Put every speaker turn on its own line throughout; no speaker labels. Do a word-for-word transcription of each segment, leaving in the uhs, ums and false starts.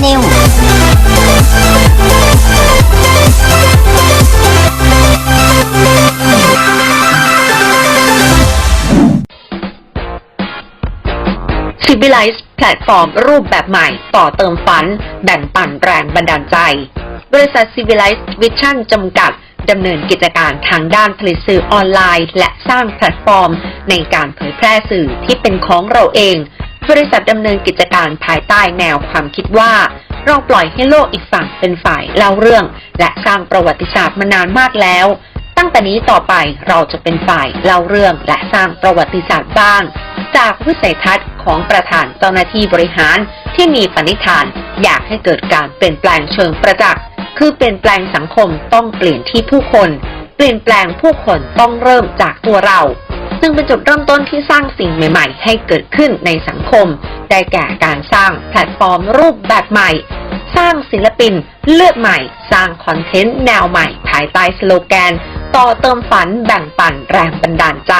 News
Civilize แพลตฟอร์มรูปแบบใหม่ต่อเติมฝันแบ่งปันแรงบันดาลใจบริษัท Civilize Vision จำกัดดำเนินกิจการทางด้านผลิตสื่อออนไลน์และสร้างแพลตฟอร์มในการเผยแพร่สื่อที่เป็นของเราเองบริษัทดำเนินกิจการภายใต้แนวความคิดว่าเราปล่อยให้โลกอีกฝั่งเป็นฝ่ายเล่าเรื่องและสร้างประวัติศาสตร์มานานมากแล้วตั้งแต่นี้ต่อไปเราจะเป็นฝ่ายเล่าเรื่องและสร้างประวัติศาสตร์บ้างจากวิสัยทัศน์ของประธานเจ้าหน้าที่บริหารที่มีปณิธานอยากให้เกิดการเปลี่ยนแปลงเชิงประจักษ์คือเปลี่ยนแปลงสังคมต้องเปลี่ยนที่ผู้คนเปลี่ยนแปลงผู้คนต้องเริ่มจากตัวเราซึ่งเป็นจุดเริ่มต้นที่สร้างสิ่งใหม่ๆให้เกิดขึ้นในสังคมได้แก่การสร้างแพลตฟอร์มรูปแบบใหม่สร้างศิลปินเลือดใหม่สร้างคอนเทนต์แนวใหม่ภายใต้สโลแกนต่อเติมฝันแบ่งปันแรงบันดาลใจ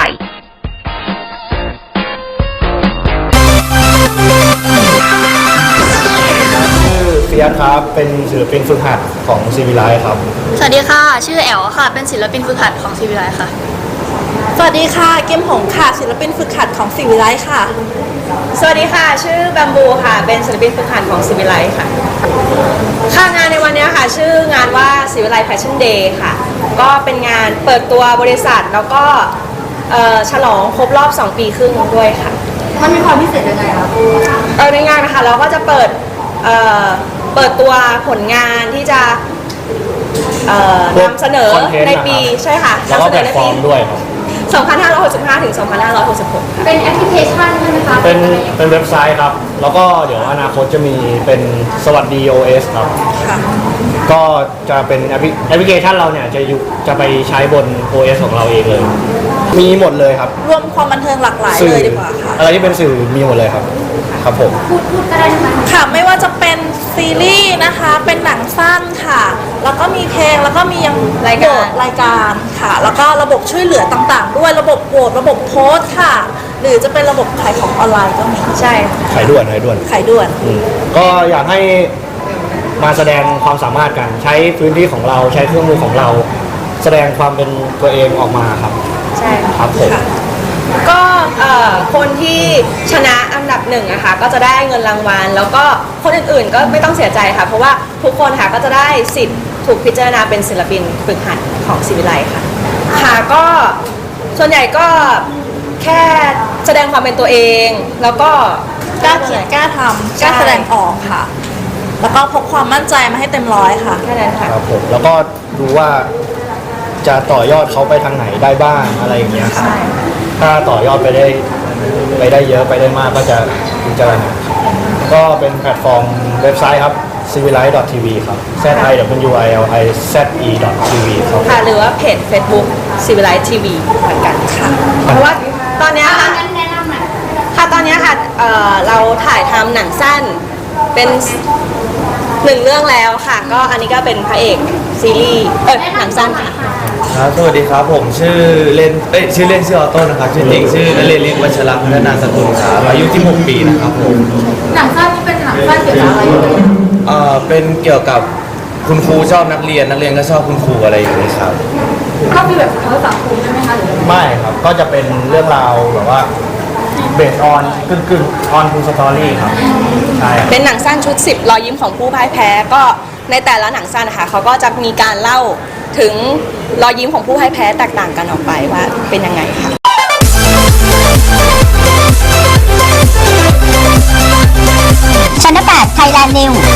เฟียสครับเป็นศิลปินฝึกหัดของซีวิไลครับ
สวัสดีค่ะชื่อแอลค่ะเป็นศิลปินฝึกหัดของซีวิไลค่ะ
สวัสดีค่ะเกมหงค่ะศิลปินฝึกหัดของซีวิไลค่ะ
สวัสดีค่ะชื่อบัมบูค่ะเป็นศิลปินฝึกหัดของซีวิไลค่ะค่ะงานในวันนี้ค่ะชื่องานว่าซีวิไลแฟชั่นเดย์ค่ะก็เป็นงานเปิดตัวบริษัทแล้วก็ฉลองครบรอบสองปีครึ่งด้วยค่ะ
มันมีความพิเศษยังไงคะ
เออในงานนะคะเราก็จะเปิดเอ่อเปิดตัวผลงานที่จะนำเสนอในปีใช่ค่ะ
แล้วก็แพลตฟอร์มด้วยครับ
สองพันห้าร้อยหกสิบห้า ถึง สองพันห้าร้อยหกสิบหก ค่ะ
เป็นแอปพลิเคชันใช่ไหมคะ
เป็นเป็นเว็บไซต์ครับแล้วก็เดี๋ยวอนาคตจะมีเป็นสวัสดี โอ เอส ครับค่ะก็จะเป็นแอปพลิเคชันเราเนี่ยจะอยู่จะไปใช้บน โอ เอส ของเราเองเลยมีหมดเลยครับ
รวมความบันเทิงหลากหลายเลยดีกว่าค่ะ
อะไรที่เป็นสื่อมีหมดเลยครับครับผม
พูดพูดก็ได้นะคะ
ค่ะไม่ว่าจะเป็นซีรีส์นะคะเป็นหนังสั้นค่ะแล้วก็มีเพลงแล้วก็มียัง
รายการ
รายการค่ะแล้วก็ระบบช่วยเหลือต่างๆด้วยระบบโหวตระบบโพสต์ค่ะหรือจะเป็นระบบขายของออนไลน์ก็มี
ใช่
ขายด่วนขายด่วน
ขายด่วน
ก็อยากให้มาแสดงความสามารถกันใช้พื้นที่ของเราใช้เครื่องมือของเราแสดงความเป็นตัวเองออกมาครับ
ใช่
ครับผม
ก็คนที่ชนะอันดับหนึ่งนะคะก็จะได้เงินรางวัลแล้วก็คนอื่นๆก็ไม่ต้องเสียใจค่ะเพราะว่าทุกคนค่ะก็จะได้สิทธิ์ถูกพิจารณาเป็นศิลปินฝึกหัดของศิวิไลค่ะค่ะก็ส่วนใหญ่ก็แค่แสดงความเป็นตัวเองแล้วก็
กล้าเขียนกล้าทำกล้าแสดงออกค่ะแล้วก็พกความมั่นใจมาให้เต็มร้อยค่ะ
แค่นั้นค่ะ
ครับผมแล้วก็ดูว่าจะต่อยอดเขาไปทางไหนได้บ้างอะไรอย่างเงี้ยครับถ้าต่อยอดไปได้ไปได้เยอะไปได้มากก็จะพิจารณาก็เป็นแพลตฟอร์มเว็บไซต์ครับ ซีวิไลท์ ดอท ที วี ครับ แซด ไอ ดับเบิลยู ไอ แอล ไอ แซด อี ดอท ที วี ครับ
ค่ะหรือว่าเพจ Facebook ซีวิไลท์ ที วี เหมือนกันค่ะเพราะว่าตอนนี้ค่ะค่ะตอนนี้ค่ะเอ่อเราถ่ายทำหนังสั้นเป็นหนึ่งเรื่องแล้วค่ะก็อันนี้ก็เป็นพระเอกซีรีส์เออหนังสั้นค่ะ
ครับสวัสดีครับผมชื่อเล่นเอ้ยชื่อเล่นชื่อออโต้นะครับชื่อจริงชื่อนเรศ ฤทธิ์วัชระพัฒนาสกุลครับอายุที่หกปีนะครับผม
หนังสั้นนี่เป็นหนังสั้นเกี่ยวกับอะไร
เอ่อเป็นเกี่ยวกับคุณครูชอบนักเรียนนักเรียนก็ชอบคุณครูอะไรอย่างนี้ครับ
ก็มีแบบเขาสังคมใช่ไหมคะหรือ
ไม่ครับก็จะเป็นเรื่องราวแบบว่าเบสออนกึ่งกึ่งออนทูสตอรี่ครับใช่
เป็นหนังสั้นชุดสิบรอยยิ้มของผู้พ่ายแพ้ก็ในแต่ละหนังสั้นนะคะเขาก็จะมีการเล่าถึงรอยยิ้มของผู้พ่ายแพ้แตกต่างกันออกไปว่าเป็นยังไงค่ะ
ชั้นแปด Thailand News